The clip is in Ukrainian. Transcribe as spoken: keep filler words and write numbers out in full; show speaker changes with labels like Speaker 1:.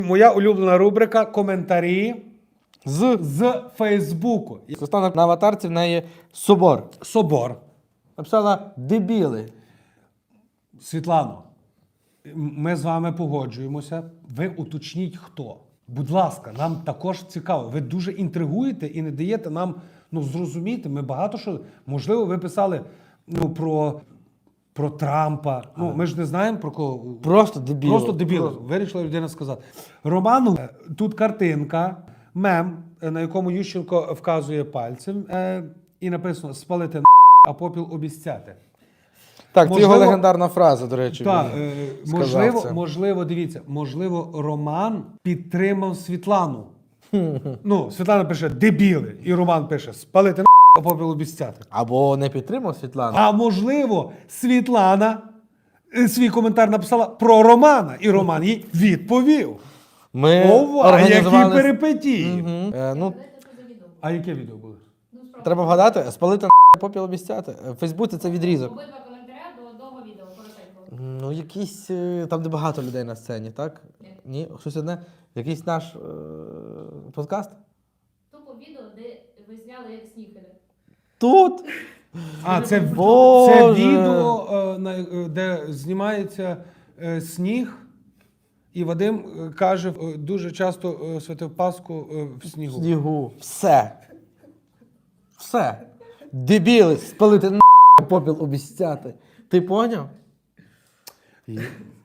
Speaker 1: Моя улюблена рубрика коментарі
Speaker 2: З.
Speaker 1: з Фейсбуку.
Speaker 2: Стане на аватарці в неї собор.
Speaker 1: Собор.
Speaker 2: Написала дебіли.
Speaker 1: Світлано, ми з вами погоджуємося. Ви уточніть, хто. Будь ласка, нам також цікаво. Ви дуже інтригуєте і не даєте нам ну, зрозуміти. Ми багато що... Можливо, ви писали ну, про, про Трампа. Ну, ми ж не знаємо про кого.
Speaker 2: Просто дебіли.
Speaker 1: Просто дебіли. Вирішила людина сказати. Роману, тут картинка, мем, на якому Ющенко вказує пальцем, е, і написано «спалити на а попіл обіцяти».
Speaker 2: Так, це його
Speaker 1: Можливо-
Speaker 2: легендарна фраза, до речі.
Speaker 1: Так,
Speaker 2: він
Speaker 1: е,
Speaker 2: сказав
Speaker 1: можливо,
Speaker 2: це.
Speaker 1: можливо, дивіться, можливо, Роман підтримав Світлану. Ну, Світлана пише «дебіли», і Роман пише «спалити на а попіл обіцяти».
Speaker 2: Або не підтримав Світлану.
Speaker 1: А можливо, Світлана е, свій коментар написала про Романа, і Роман їй відповів.
Speaker 2: Ми
Speaker 1: Ова, які
Speaker 2: організували...
Speaker 1: перипетії.
Speaker 2: Мгм. Е, ну,
Speaker 1: А яке відео було?
Speaker 2: треба вгадати, спалити на попіл обіцяти. В Фейсбуці це відрізок.
Speaker 3: Обидва коментаря до одного відео, коротенького.
Speaker 2: Ну, якийсь, е, там, де багато людей на сцені, так?
Speaker 3: Ні.
Speaker 2: Ні? Щось одне? Якийсь наш е, подкаст?
Speaker 3: Тупо відео, де ви зняли, як сніг іде.
Speaker 2: Тут?
Speaker 1: А, це,
Speaker 2: Боже.
Speaker 1: це відео, е, на- е, де знімається е, сніг, і Вадим е, каже, е, дуже часто е, святив Пасху е, в снігу.
Speaker 2: Снігу. Все. Все. Дебіли, спалити на попіл обіцяти. Ти поняв?
Speaker 1: І